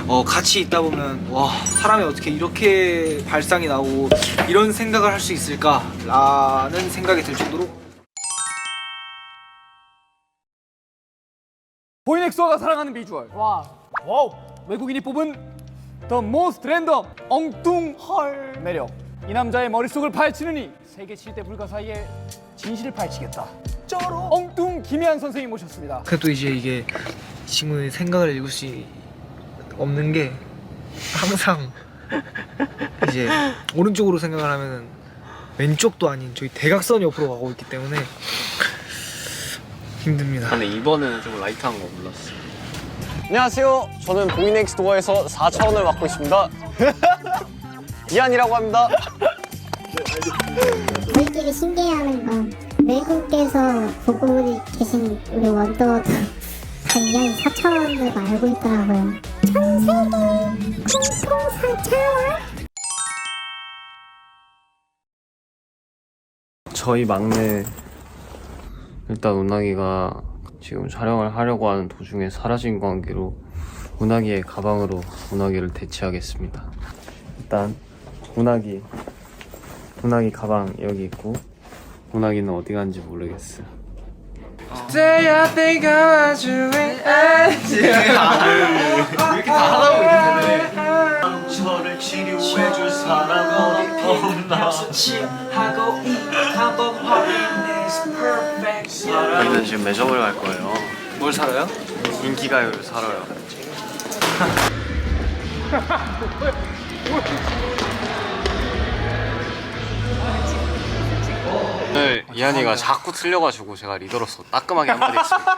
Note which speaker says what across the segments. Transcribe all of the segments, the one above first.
Speaker 1: 같이 있다 보면 와, 사람이 어떻게 이렇게 발상이 나오고 이런 생각을 할 수 있을까라는 생각이 들 정도로.
Speaker 2: 보이넥스와가 사랑하는 비주얼. 와우. 외국인이 뽑은 The Most Random 엉뚱헐 매력. 이 남자의 머릿속을 파헤치느니 세계 7대 불가 사이에 진실을 파헤치겠다. 엉뚱 김혜한 선생님 모셨습니다.
Speaker 1: 그래도 이제 이게 친구의 생각을 읽을 수 없는 게 항상 이제 오른쪽으로 생각을 하면은 왼쪽도 아닌 저희 대각선 옆으로 가고 있기 때문에 힘듭니다.
Speaker 3: 근데 이번에는 좀 라이트한 거 몰랐어.
Speaker 4: 안녕하세요. 저는 보이넥스도어에서 4차원을 맡고 있습니다. 이한이라고 합니다.
Speaker 5: 저희끼리 신기해하는 건 외국에서 보고 계신 우리 원더도 다 이한 4차원으로 알고 있더라고요. 전 세계 공통 4차원?
Speaker 3: 저희 막내 일단 운하기가 지금 촬영을 하려고 하는 도중에 사라진 관계로 운하기의 가방으로 운하기를 대체하겠습니다. 일단 운하기 가방 여기 있고 운하기는 어디 간지 모르겠어요.
Speaker 1: Today I think I want you and 이렇게 다 하다 보이는데
Speaker 3: 저를 치료해줄 사람은 없나. 저희는 지금 매점을 갈 거예요.
Speaker 1: 뭘 사러요?
Speaker 3: 인기가요를 사러요. 오늘 이한이가 자꾸 틀려가지고 제가 리더로서 따끔하게 한마디 했습니다.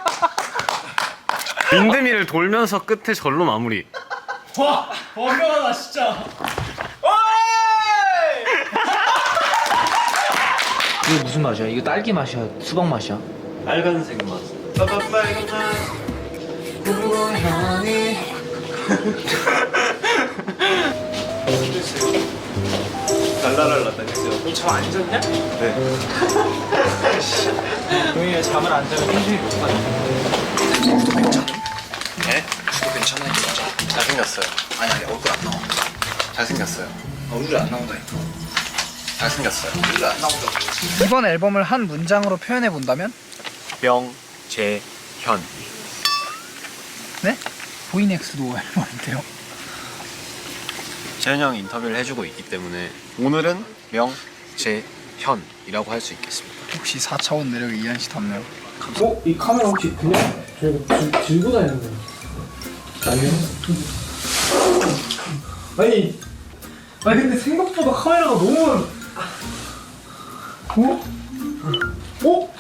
Speaker 3: 윈드밀을 돌면서 끝에 절로 마무리.
Speaker 2: 와, 어려워라 진짜.
Speaker 1: 이거 무슨 맛이야? 이거 딸기 맛이야? 수박 맛이야?
Speaker 3: 빨간색 맛. 랄랄랄라 다녔어요.
Speaker 1: 잠안 잤냐?
Speaker 3: 네.
Speaker 1: 용이가 잠을 안 자면 현실이 못 가냐?
Speaker 6: 구도 괜찮음?
Speaker 3: 네?
Speaker 6: 구도 괜찮아요 진짜.
Speaker 3: 잘생겼어요.
Speaker 6: 아니 얼굴 안 나와.
Speaker 3: 잘생겼어요.
Speaker 6: 얼굴이 안 나온다니까.
Speaker 3: 잘생겼어요.
Speaker 6: 얼굴이 안 나온다고.
Speaker 1: 이번 앨범을 한 문장으로 표현해 본다면?
Speaker 3: 명재현.
Speaker 1: 네? 보이넥스도 앨범인데요.
Speaker 3: 재현 형이 인터뷰를 해주고 있기 때문에 오늘은 명재현이라고 할 수 있겠습니다.
Speaker 1: 혹시 4차원 매력이 이한 씨 닮나요?
Speaker 2: 이 카메라 혹시 그냥 저희가 들고 다니는 거예요? 아니요. 아니 근데 생각보다 카메라가 너무 어?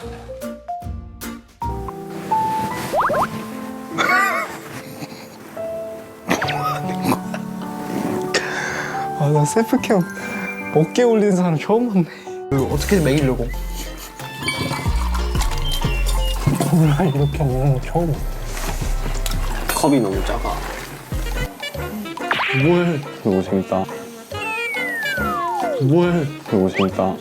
Speaker 4: 나 셀프캠 어깨 올리는 사람 처음 봤네.
Speaker 1: 어떻게 먹이려고?
Speaker 4: 나 이렇게 먹는 거 처음 봐.
Speaker 3: 컵이 너무 작아.
Speaker 4: 뭘?
Speaker 3: 너무 재밌다.
Speaker 4: 뭘?
Speaker 3: 너무 재밌다.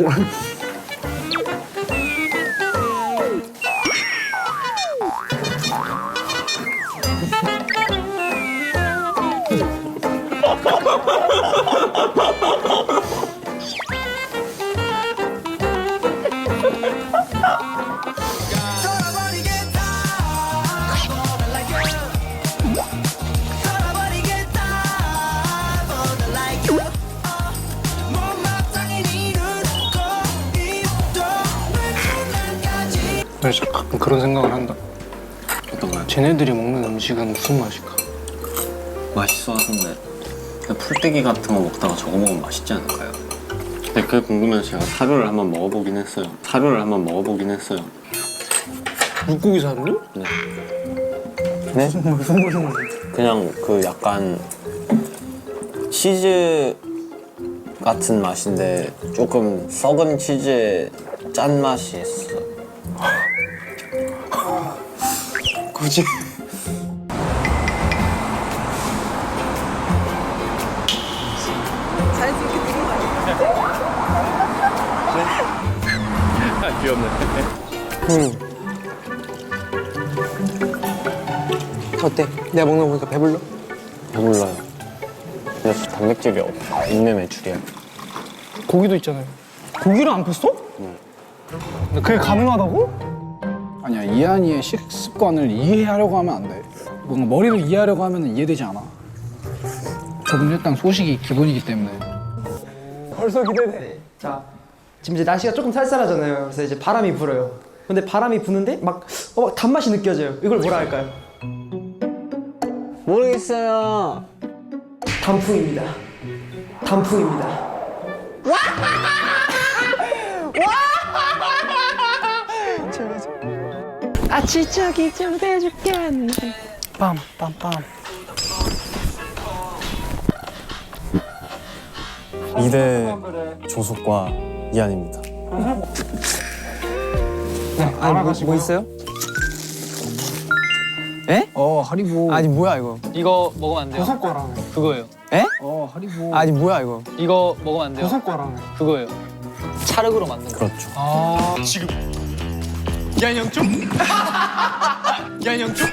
Speaker 4: 나 진짜 가끔 그런 생각을 한다.
Speaker 3: 어떤 거요?
Speaker 4: 쟤네들이 먹는 음식은 무슨 맛일까?
Speaker 3: 맛있어 하던데. 그냥 풀떼기 같은 거 먹다가 저거 먹으면 맛있지 않을까요? 근데 그게 궁금해서 제가 사료를 한번 먹어보긴 했어요.
Speaker 4: 물고기 사료?
Speaker 3: 네. 네?
Speaker 4: 무슨 맛인데?
Speaker 3: 그냥 그 약간 치즈 같은 맛인데 조금 썩은 치즈의 짠 맛이 있어.
Speaker 4: 굳이? 어때? 내가 먹는 거 보니까 배불러?
Speaker 3: 배불러요. 근데 단백질이 있는 애출이야.
Speaker 4: 고기도 있잖아요. 고기를 안 폈어? 근데 그게 가능하다고?
Speaker 7: 아니야, 이한이의 식습관을 이해하려고 하면 안 돼. 뭔가 머리로 이해하려고 하면 이해되지 않아. 저분 일단 소식이 기본이기 때문에.
Speaker 4: 벌써 기대돼.
Speaker 8: 자, 지금 이제 날씨가 조금 쌀쌀하잖아요. 그래서 이제 바람이 불어요. 근데 바람이 부는데 막 단맛이 느껴져요. 이걸 뭐라 할까요?
Speaker 3: 모르겠어요.
Speaker 8: 단풍입니다. 단풍입니다.
Speaker 4: 빰빰빰.
Speaker 3: 이대 조숙과 이한입니다.
Speaker 4: 아니 뭐 있어요?
Speaker 7: 하리보.
Speaker 2: 아니 뭐야 이거? 이거 먹으면 안 돼요.
Speaker 4: 버섯 거라며.
Speaker 2: 그거예요.
Speaker 7: 하리보.
Speaker 2: 아니 뭐야 이거? 이거 먹으면 안 돼요.
Speaker 4: 버섯 거라며.
Speaker 2: 그거예요. 찰흙으로 만든 거.
Speaker 3: 그렇죠.
Speaker 2: 양쪽? 양쪽?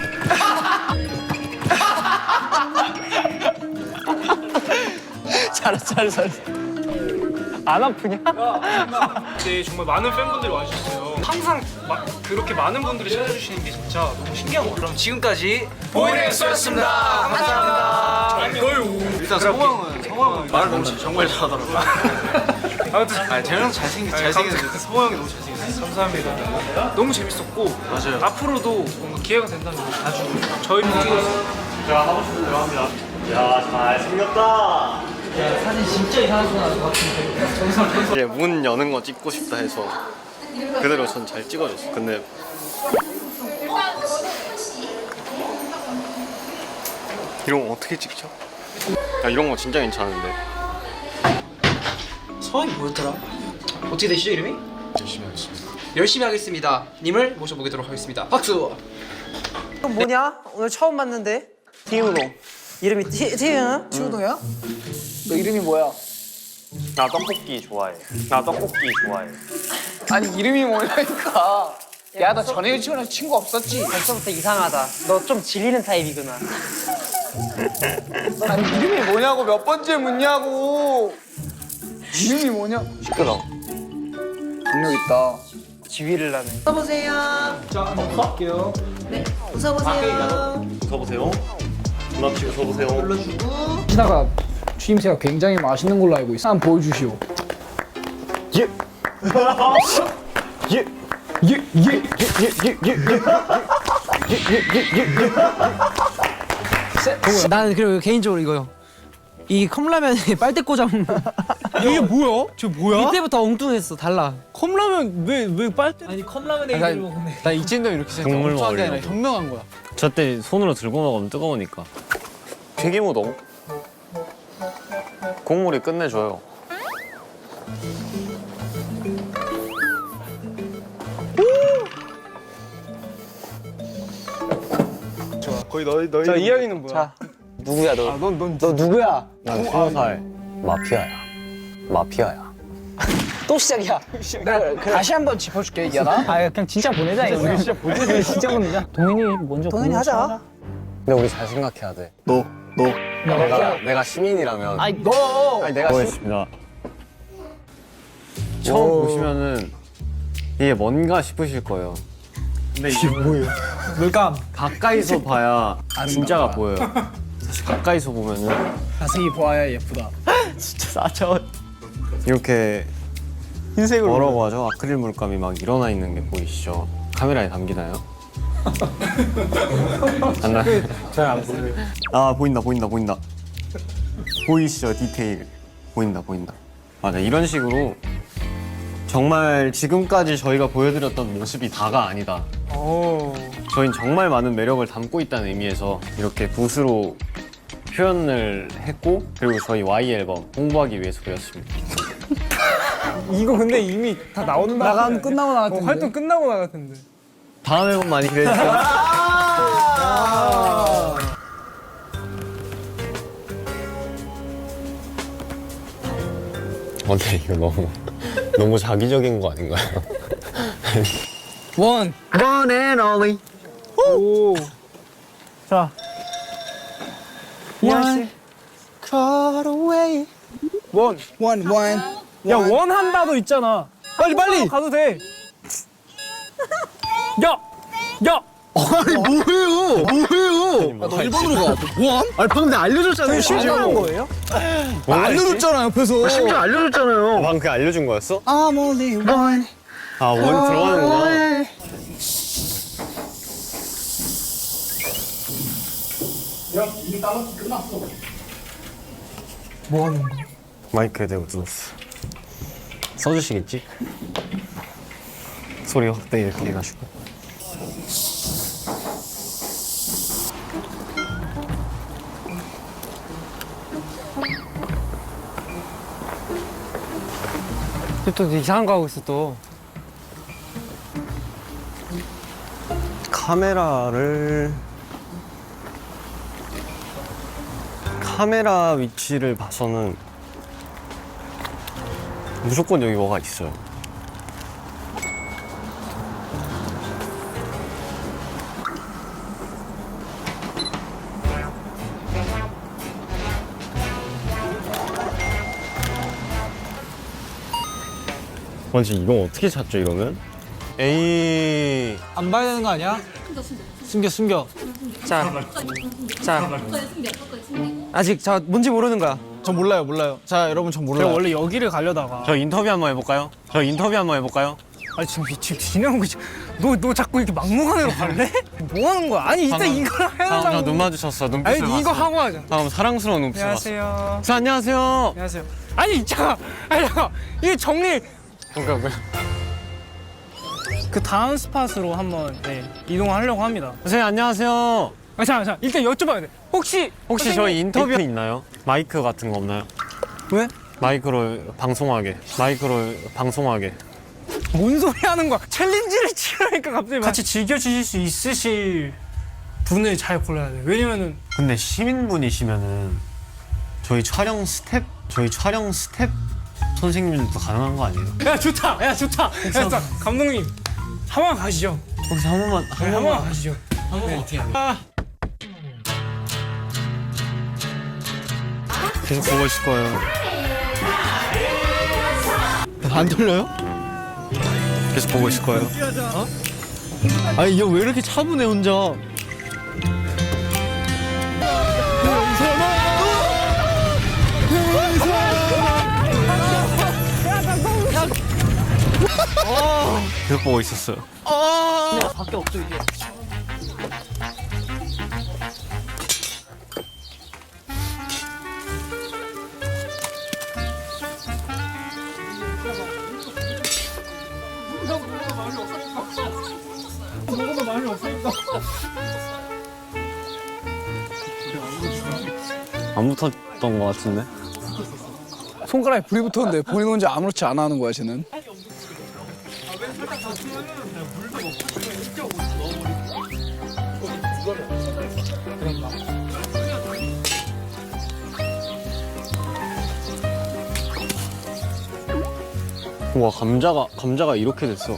Speaker 2: 잘했어. 안 아프냐?
Speaker 1: 네, 정말 많은 팬분들이 와주셨어요. 항상 그렇게 많은 분들이 찾아주시는 게 진짜 너무 신기한 것 같아요. 그럼 지금까지 보이넥스였습니다. 감사합니다. 일단 성황은 말을 너무 정말 잘하더라고요. 아무튼 재현 형 잘생겼는데 성호 형이 너무 잘생겼어요. 감사합니다. 너무 재밌었고 맞아요. 앞으로도 뭔가 기회가 된다면 자주 저희 제가 하고 싶은 대로 합니다.
Speaker 8: 사진 진짜 이상한 거 나올 것 같은데.
Speaker 3: 이제 문 여는 거 찍고 싶다 해서 그대로 전 잘 찍어줬어. 근데 이런 거 어떻게 찍죠? 야, 이런 거 진짜 괜찮은데.
Speaker 8: 성함이 뭐였더라? 어떻게 되시죠 이름이?
Speaker 3: 열심히 하겠습니다.
Speaker 8: 열심히 하겠습니다. 님을 모셔보도록 하겠습니다. 박수. 뭐냐? 오늘 처음 봤는데. 티우동. 이름이 티우동?
Speaker 7: 추우동이야? 너 이름이 뭐야?
Speaker 3: 나 떡볶이 좋아해.
Speaker 7: 아니, 이름이 뭐냐니까. 야, 너 전에 유치원에서 친구 없었지?
Speaker 8: 벌써부터 이상하다. 너 좀 질리는 타입이구나.
Speaker 7: 아니, 이름이 뭐냐고 몇 번째 묻냐고. 이름이 뭐냐?
Speaker 3: 시끄러.
Speaker 7: 능력 있다.
Speaker 8: 지휘를 하네. 웃어보세요. 자, 한번 갈게요. 네, 웃어보세요.
Speaker 3: 웃어보세요. 눈 앞치 웃어보세요.
Speaker 8: 불러주고.
Speaker 7: 신하가 추임새가 굉장히 맛있는 걸로 알고 있어. 한번 보여주시오.
Speaker 3: 예. 예.
Speaker 8: 나는 그리고 개인적으로 이거요. 이 컵라면에 빨대 꽂아 먹는.
Speaker 1: 이게 뭐야? 저 뭐야?
Speaker 8: 이때부터 엉뚱했어. 달라.
Speaker 1: 컵라면 왜 빨대?
Speaker 8: 아니 컵라면에
Speaker 7: 나-
Speaker 8: 이걸 먹네.
Speaker 7: 나 이진도 이렇게 생각.
Speaker 3: 국물
Speaker 7: 엉뚱한 게 아니라
Speaker 3: 먹으려고.
Speaker 7: 현명한 거야.
Speaker 3: 저때 손으로 들고 먹으면 뜨거우니까. 튀김우동. 국물이 끝내줘요.
Speaker 4: 거의 너희. 자 이한이는 뭐야?
Speaker 8: 자.
Speaker 3: 누구야 너?
Speaker 8: 너 누구야?
Speaker 3: 난 20살 마피아야.
Speaker 8: 또 시작이야.
Speaker 7: 다시 한번 짚어줄게, 이하나.
Speaker 2: 아 그냥 진짜 보내자 이거. 우리 진짜 보내자. 진짜 보내자. 동현이 먼저.
Speaker 8: 동현이 하자.
Speaker 3: 근데 우리 잘 생각해야 돼.
Speaker 4: 너.
Speaker 3: 내가 시민이라면.
Speaker 2: 아니 너.
Speaker 3: 아니 내가 보겠습니다. 처음 보시면은 이게 뭔가 싶으실 거예요. 근데 이게 뭐예요?
Speaker 1: 물감.
Speaker 3: 가까이서 봐야 진짜가 보여요. 사실 가까이서 보면은
Speaker 7: 자세히 보아야 예쁘다.
Speaker 3: 이렇게 흰색으로 뭐라고 하죠? 아크릴 물감이 막 일어나 있는 게 보이시죠? 카메라에 담기나요? 안 나?
Speaker 4: 잘안 보여요.
Speaker 3: 아 보인다. 보이시죠? 디테일 보인다. 맞아, 이런 식으로 정말 지금까지 저희가 보여드렸던 모습이 다가 아니다. 저희는 정말 많은 매력을 담고 있다는 의미에서 이렇게 붓으로 표현을 했고, 그리고 저희 Y 앨범 홍보하기 위해서 그렸습니다.
Speaker 4: 이거 근데 이미 다 나온다.
Speaker 7: 끝나고 나갔던데.
Speaker 4: 활동 끝나고 나갔던데.
Speaker 3: 다음 앨범 많이 기대해주세요. 근데 이거 너무 자기적인 거 아닌가요?
Speaker 7: 원.
Speaker 3: One and only.
Speaker 4: 오.
Speaker 2: 자. 야 원한다도 있잖아. 빨리 가도 돼. 야.
Speaker 1: 아니 뭐예요?
Speaker 3: 너 일본으로 가.
Speaker 1: 아니 방금 내가 알려줬잖아요.
Speaker 2: 실수한 거예요?
Speaker 1: 알려줬잖아 옆에서. 심지어 알려줬잖아요.
Speaker 3: 방금 그 알려준 거였어?
Speaker 7: I'm only one.
Speaker 3: 아, 원 들어가는구나.
Speaker 1: 뭐 하는 거야?
Speaker 3: 마이크에 대고 뜯었어. 써주시겠지? 소리 확대 이렇게 해가지고.
Speaker 8: 또 이상한 거 하고 있어 또.
Speaker 3: 카메라 위치를 봐서는 무조건 여기 뭐가 있어요. 완전 이거 어떻게 찾죠 이러면? 에이
Speaker 1: 안 봐야 되는 거 아니야? 숨겨.
Speaker 8: 자. 아직 저 뭔지 모르는 거야.
Speaker 1: 전 몰라요. 자 여러분 전 몰라요.
Speaker 2: 제가 원래 여기를 가려다가.
Speaker 3: 저 인터뷰 한번 해볼까요?
Speaker 2: 아니 지금 진행한 거지. 너 자꾸 이렇게 막무가내로 갈래? 뭐 하는 거야? 아니 이따 이걸 해야
Speaker 3: 저 눈 마주쳤어. 눈빛을
Speaker 2: 아니 이거
Speaker 3: 봤어.
Speaker 2: 하고 하자.
Speaker 3: 방금 사랑스러운 눈빛을
Speaker 2: 안녕하세요.
Speaker 3: 봤어. 안녕하세요.
Speaker 2: 안녕하세요. 아니 잠깐. 이게 정리.
Speaker 3: 그러니까
Speaker 2: 그 다음 스팟으로 한번 이동하려고 합니다.
Speaker 3: 선생님 안녕하세요.
Speaker 2: 잠깐 일단 여쭤봐야 돼. 혹시
Speaker 3: 저희 인터뷰 있나요? 마이크 같은 거 없나요?
Speaker 2: 왜?
Speaker 3: 마이크로 방송하게.
Speaker 2: 뭔 소리 하는 거야? 챌린지를 치르니까 갑자기 같이 즐겨주실 수 있으실 분을 잘 골라야 돼. 왜냐면은
Speaker 3: 근데 시민분이시면은 저희 촬영 스텝 선생님들도 가능한 거 아니에요?
Speaker 2: 야 좋다. 감독님 한 번 가시죠.
Speaker 3: 거기서 한 번만
Speaker 2: 가시죠.
Speaker 3: 계속 보고 있을 거예요.
Speaker 1: 안 들려요?
Speaker 3: 계속 보고 있을 거예요.
Speaker 1: 아니 얘 왜 이렇게 차분해 혼자?
Speaker 3: 계속 보고 있었어요.
Speaker 8: 밖에 없죠 이제.
Speaker 3: 안 붙었던 거 같은데?
Speaker 7: 손가락에 불이 붙었는데 본인 혼자 아무렇지 않아 하는 거야 쟤는.
Speaker 3: 와 감자가 이렇게 됐어.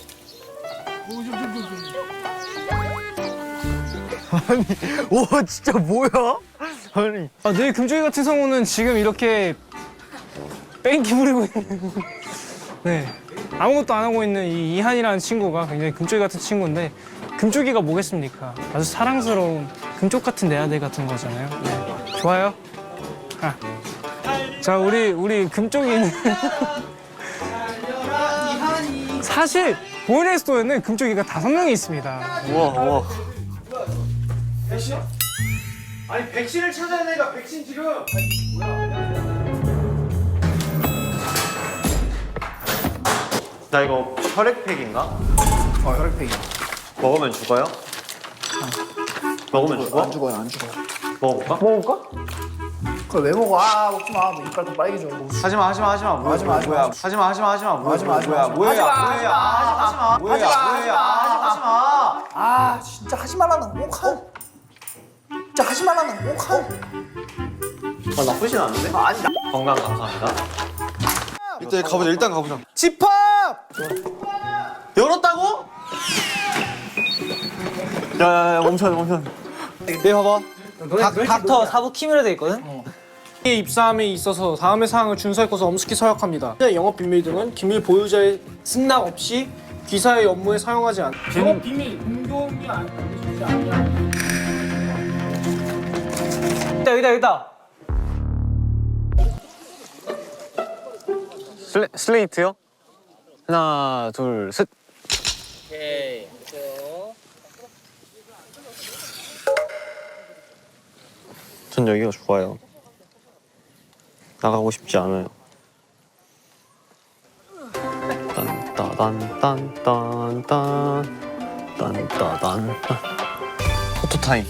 Speaker 1: 와 진짜 뭐야? 아니
Speaker 2: 내 금쪽이 같은 성우는 지금 이렇게 뺑기 부리고 있는 네 아무것도 안 하고 있는 이 이한이라는 친구가 굉장히 금쪽이 같은 친구인데 금쪽이가 뭐겠습니까? 아주 사랑스러운 금쪽 같은 내 아들 같은 거잖아요. 네. 좋아요. 자 우리 금쪽이는 사실 보이네스토어에는 금쪽이가 5명이 있습니다.
Speaker 3: 우와.
Speaker 1: 아니 백신을 찾아야 내가 백신 지금.
Speaker 3: 나 이거 혈액팩인가?
Speaker 7: 혈액팩이야.
Speaker 3: 먹으면 죽어요? 먹으면 죽어?
Speaker 7: 안 죽어요, 안 죽어요.
Speaker 3: 먹어볼까?
Speaker 7: 그걸 왜 먹어? 아 먹지 마. 뭐 이빨 더 빨개져.
Speaker 3: 하지마.
Speaker 7: 하지마, 하지마.
Speaker 3: 뭐야?
Speaker 7: 하지마, 하지마. 아 진짜 하지 말라는 거 꼭 하. 진짜 하지 말라는 거 꼭 하.
Speaker 3: 나쁘진 않은데? 건강 감사합니다.
Speaker 1: 일단 가보자.
Speaker 7: 집합.
Speaker 3: 열었다고? 야 멈춰.
Speaker 1: 네 봐봐. 닥터 사부 킴으로 돼 있거든.
Speaker 9: 입사함에 있어서 다음의 사항을 준수할 것을 엄숙히 서약합니다. 영업 비밀 등은 기밀 보유자의 승낙 없이 기사의 업무에 사용하지 않. 영업 비밀 공개가 알려지지 않냐.
Speaker 1: 여기다.
Speaker 3: 슬레이트요? 하나, 둘, 셋. 전 여기가 좋아요. 나가고 싶지 않아요. 딴따단딴딴딴 포토타임.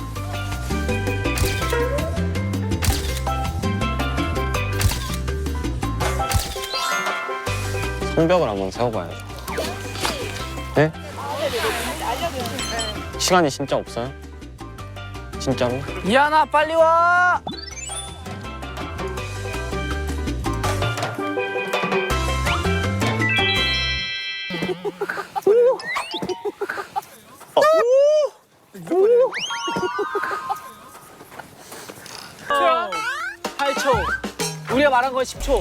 Speaker 3: 성벽을 한번 세워봐야죠. 네? 시간이 진짜 없어요? 진짜로?
Speaker 8: 이하나 빨리 와. 오! 8초. 우리가 말한 건 10초.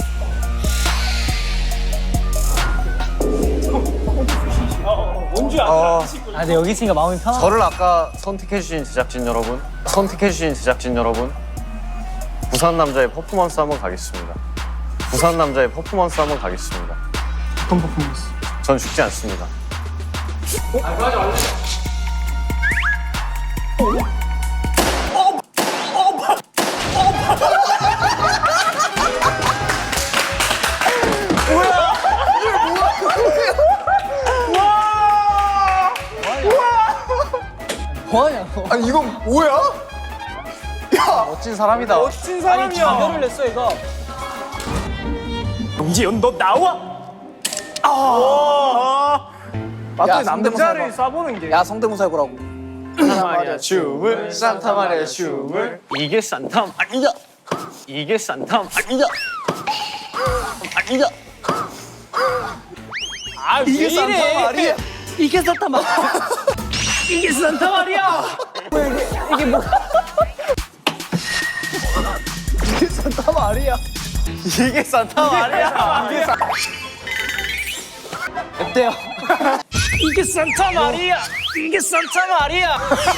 Speaker 1: 근데 여기 있으니까 마음이 편하다.
Speaker 3: 저를 아까 선택해주신 제작진 여러분, 부산 남자의 퍼포먼스 한번 가겠습니다.
Speaker 9: 어떤 퍼포먼스?
Speaker 3: 전 죽지 않습니다.
Speaker 4: 아니 이건 뭐야?
Speaker 3: 멋진 사람이다.
Speaker 9: 멋진 사람이야.
Speaker 1: 자결을 냈어 얘가.
Speaker 9: 영지연 너 나와.
Speaker 2: 맞더니 남자를
Speaker 9: 쏴보는 게.
Speaker 2: 야 성대모사 해보라고.
Speaker 3: 마리아 춤을 산타 마리아 춤을 이게 산타 마리아 이게 산타 마리아
Speaker 9: 이게 산타 말이야.
Speaker 1: 이게 산타 말.
Speaker 9: 이게 산타 말이야.
Speaker 3: 이게 산타 마리아
Speaker 1: 어때요?
Speaker 9: 이게 산타 말이야. 이게 산타 말이야.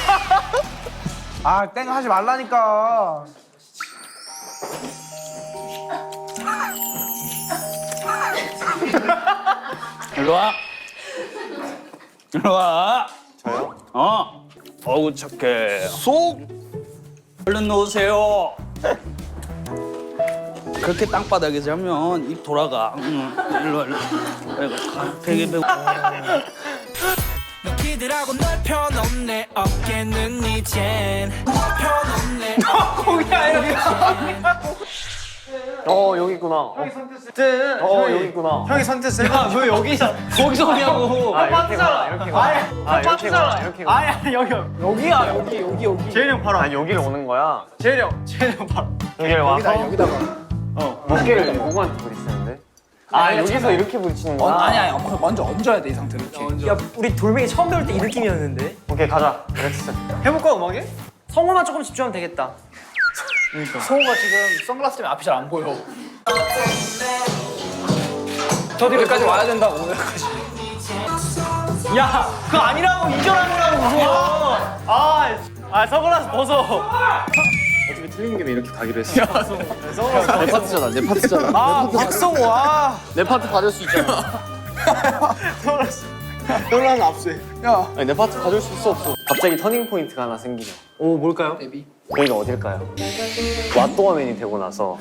Speaker 2: 아 땡 하지 말라니까.
Speaker 10: 일로 와. 일로 와.
Speaker 3: 저요?
Speaker 10: 어우 착해. 쏙. 얼른 놓으세요. 그렇게 땅바닥에 자면 입 돌아가. 일로 일로. 베개 베고.
Speaker 11: 너희들하고 널 펴놓네 어깨는 이젠 펴놓네
Speaker 3: 여기 있구나. 여기 있구나.
Speaker 1: 형이 선택했어. 야왜 거기서 오냐고.
Speaker 3: 이렇게 가. 이렇게 가.
Speaker 1: 아니 여기야 여기.
Speaker 3: 재현이 형 바로. 아니 여기를 오는 거야.
Speaker 1: 재현이 형 바로.
Speaker 3: 여기를 와서
Speaker 2: 여기다가.
Speaker 3: 어깨를 누구한테 부딪히는데? 여기서 이렇게 부딪히는 거야?
Speaker 2: 아니야. 먼저 얹어야 돼 이 상태로 이렇게.
Speaker 1: 야 우리 돌멩이 처음 배울 때 이 느낌이었는데.
Speaker 3: 오케이 가자. 렉스.
Speaker 1: 해볼까 음악에?
Speaker 8: 성우만 조금 집중하면 되겠다.
Speaker 2: 성우가 지금 선글라스 때문에 앞이 잘 안 보여.
Speaker 1: 저 뒤로
Speaker 2: 여기까지 와야 된다고 오늘까지.
Speaker 1: 야 그거 아니라고 이전하느라고 무서워. 선글라스 벗어.
Speaker 3: 어차피 틀린 김에 이렇게 가기로 했어. 내 파트잖아. 내 파트잖아.
Speaker 1: 박성호
Speaker 3: 내 파트 받을 수 있잖아.
Speaker 1: 놀라는 압수해.
Speaker 3: 아니, 내 파트 가질 수 있어 없어? 갑자기 터닝 포인트가 하나 생기죠.
Speaker 1: 오 뭘까요?
Speaker 3: 여기가 어딜까요? 왓도어맨이 되고 나서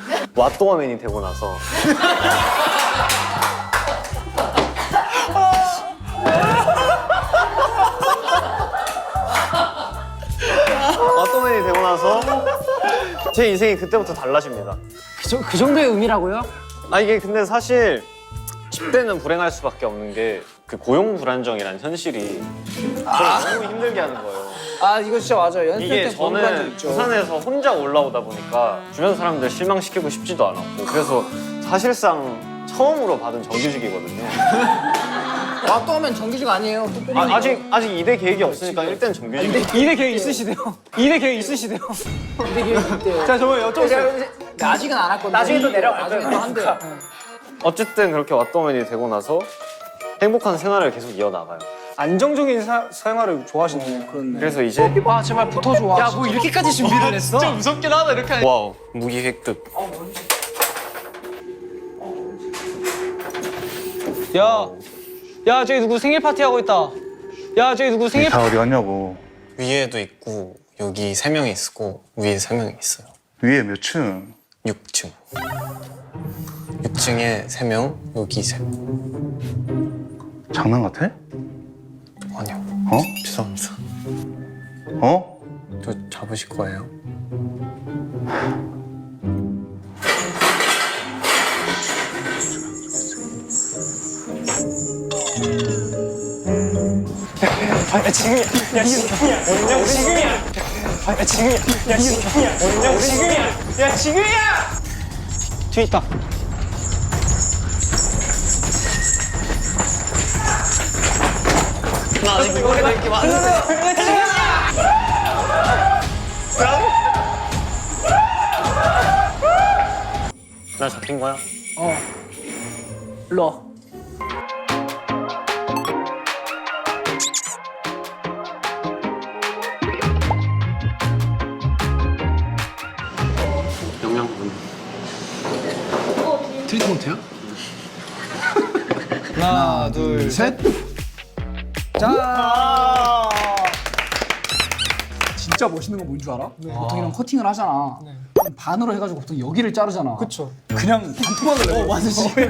Speaker 3: 제 인생이 그때부터 달라집니다.
Speaker 8: 그 정도의 의미라고요?
Speaker 3: 이게 근데 사실 10대는 불행할 수밖에 없는 게 그 고용 불안정이라는 현실이 저를 너무 힘들게 하는 거예요.
Speaker 2: 이거 진짜 맞아요. 연습
Speaker 3: 이게
Speaker 2: 때 보는 적
Speaker 3: 저는
Speaker 2: 있죠.
Speaker 3: 부산에서 혼자 올라오다 보니까 주변 사람들 실망시키고 싶지도 않았고 그래서 사실상 처음으로 받은 정규직이거든요.
Speaker 7: 와 또 하면 정규직 아니에요. 또 뽑는 거.
Speaker 3: 아직 2대 계획이 없으니까 일단 정규직.
Speaker 9: 2대 계획 있으시대요. 2대 계획 있으시대요. 자, 저거 여쭤보세요.
Speaker 7: 아직은 안 왔거든요.
Speaker 2: 나중에 또 내려갈
Speaker 7: 나중에
Speaker 2: 거예요.
Speaker 7: 또 한대요.
Speaker 3: 어쨌든 그렇게 왓더맨이 되고 나서 행복한 생활을 계속 이어나가요.
Speaker 9: 안정적인 생활을 좋아하시네요.
Speaker 3: 그래서 이제
Speaker 7: 와 제발 붙어줘. 와.
Speaker 2: 뭐 이렇게까지 준비를 했어?
Speaker 3: 진짜 무섭긴 하다 이렇게 하니까. 와우 무기 획득.
Speaker 9: 야, 저기 누구 생일 파티 하고 있다. 야, 저기 누구 생일
Speaker 4: 다 어디 갔냐고.
Speaker 3: 위에도 있고 여기 3명이 있고 위에 3명이 있어요.
Speaker 4: 위에 몇 층?
Speaker 3: 6층. 6층에 3명, 여기 3명.
Speaker 4: 장난 같아?
Speaker 3: 아니요.
Speaker 4: 어?
Speaker 3: 죄송합니다.
Speaker 4: 어?
Speaker 3: 저 잡으실 거예요?
Speaker 9: 뒤에 있다.
Speaker 3: 나 아직 이거 해야 될게 많은데. 나 잡힌 거야?
Speaker 7: 일로 와.
Speaker 3: 영양분.
Speaker 7: 트리트먼트야? 하나 둘 셋.
Speaker 2: 자.
Speaker 7: 진짜 멋있는 건 뭔 줄 알아? 보통 이런 커팅을 하잖아. 그럼 반으로 해가지고 보통 여기를 자르잖아.
Speaker 9: 그쵸.
Speaker 7: 그냥 반토막을 내고. 맞아 지금.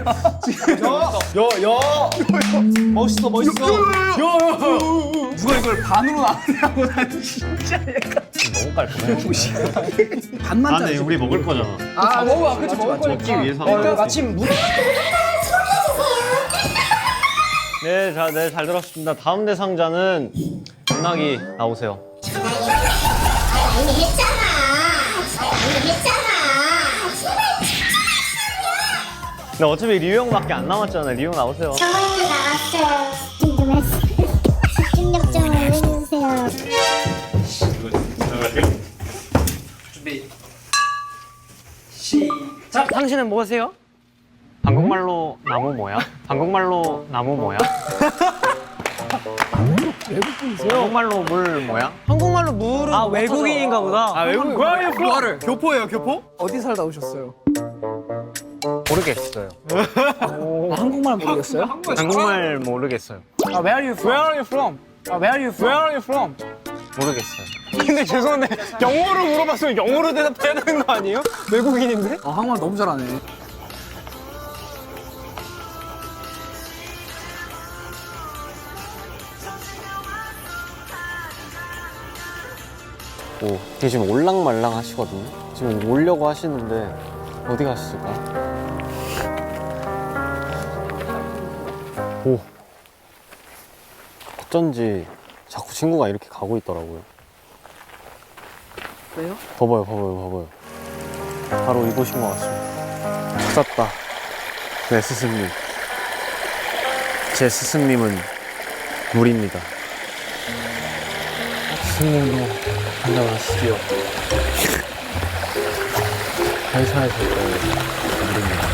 Speaker 9: 멋있어, 멋있어.
Speaker 7: 누가 이걸 반으로 나누냐고 난 진짜 약간.
Speaker 3: 너무 깔끔해.
Speaker 7: 반만
Speaker 3: 아, 근데
Speaker 7: 자르지.
Speaker 3: 우리 먹을 거잖아.
Speaker 7: 아 먹어. 그치 먹을 거니까.
Speaker 3: 먹기 위해서 하는 거지.
Speaker 9: 마침
Speaker 3: 네, 잘 들었습니다. 다음 대상자는 전나기 나오세요.
Speaker 5: 이미 했잖아.
Speaker 3: 근데 어차피 리우 형밖에 안 남았잖아요. 리우 나오세요.
Speaker 5: 저번에도 나왔어요. 집중 좀 했어요. 집중력 좀 올려주세요.
Speaker 8: 자, 당신은 뭐세요?
Speaker 3: 한국말로 나무 뭐야? 한국말로 나무 뭐야? 외국분이세요? 한국말로 물 뭐야?
Speaker 8: 한국말로 물은
Speaker 2: 아, 외국인인가 보다.
Speaker 3: 아 외국
Speaker 9: 뭐하를? 교포예요, 교포?
Speaker 7: 어디 살다 오셨어요?
Speaker 3: 모르겠어요.
Speaker 7: 한국말 모르겠어요?
Speaker 3: 한국말 모르겠어요.
Speaker 7: 아 where are you from?
Speaker 9: Where are you from?
Speaker 7: 아 where are you from?
Speaker 9: Where are you from?
Speaker 3: 모르겠어요.
Speaker 9: 근데 죄송한데 영어로 물어봤으면 영어로 대답해야 되는 거 아니에요? 외국인인데?
Speaker 7: 아 한국말 너무 잘하네.
Speaker 3: 오, 이게 지금 올랑말랑 하시거든요. 지금 오려고 하시는데 어디 가셨을까? 오, 어쩐지 자꾸 친구가 이렇게 가고 있더라고요.
Speaker 8: 왜요?
Speaker 3: 봐봐요. 바로 이곳인 것 같습니다. 찾았다. 내 스승님. 제 스승님은 물입니다. 스승님도 안녕하시죠. 회사에서 물입니다.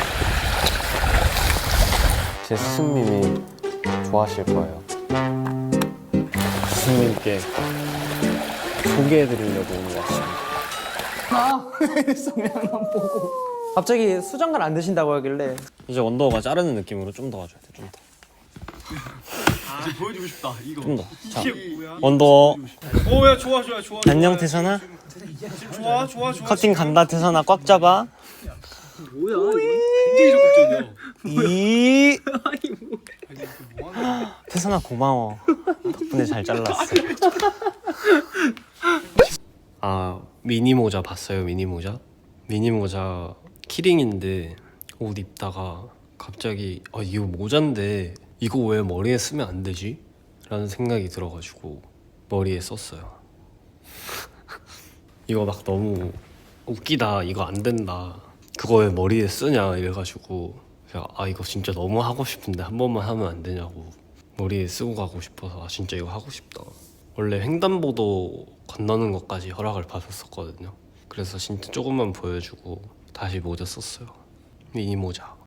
Speaker 3: 제 스승님이 좋아하실 거예요. 스승님께 소개해드리려고 온 것 같습니다.
Speaker 8: 갑자기 수정관 안 드신다고 하길래
Speaker 3: 이제 원더가 자르는 느낌으로 좀 더 와줘야 돼, 좀 더.
Speaker 9: 이제 보여주고 싶다, 이거.
Speaker 3: 좀 더. 자, 원더.
Speaker 9: 오, 야, 좋아.
Speaker 3: 안녕, 태선아.
Speaker 9: 좋아.
Speaker 3: 커팅 간다, 태선아. 꽉 잡아.
Speaker 9: 굉장히 적극적이야.
Speaker 3: 이. 태선아, 고마워. 덕분에 잘 잘랐어. 아, 미니 모자 봤어요, 미니 모자? 미니 모자 키링인데 옷 입다가 갑자기 이거 모자인데 이거 왜 머리에 쓰면 안 되지? 라는 생각이 들어가지고 머리에 썼어요. 이거 막 너무 웃기다, 이거 안 된다, 그거 왜 머리에 쓰냐 이래가지고 그래서 아 이거 진짜 너무 하고 싶은데 한 번만 하면 안 되냐고 머리에 쓰고 가고 싶어서 아 진짜 이거 하고 싶다. 원래 횡단보도 건너는 것까지 허락을 받았었거든요. 그래서 진짜 조금만 보여주고 다시 모자 썼어요. 미니 모자.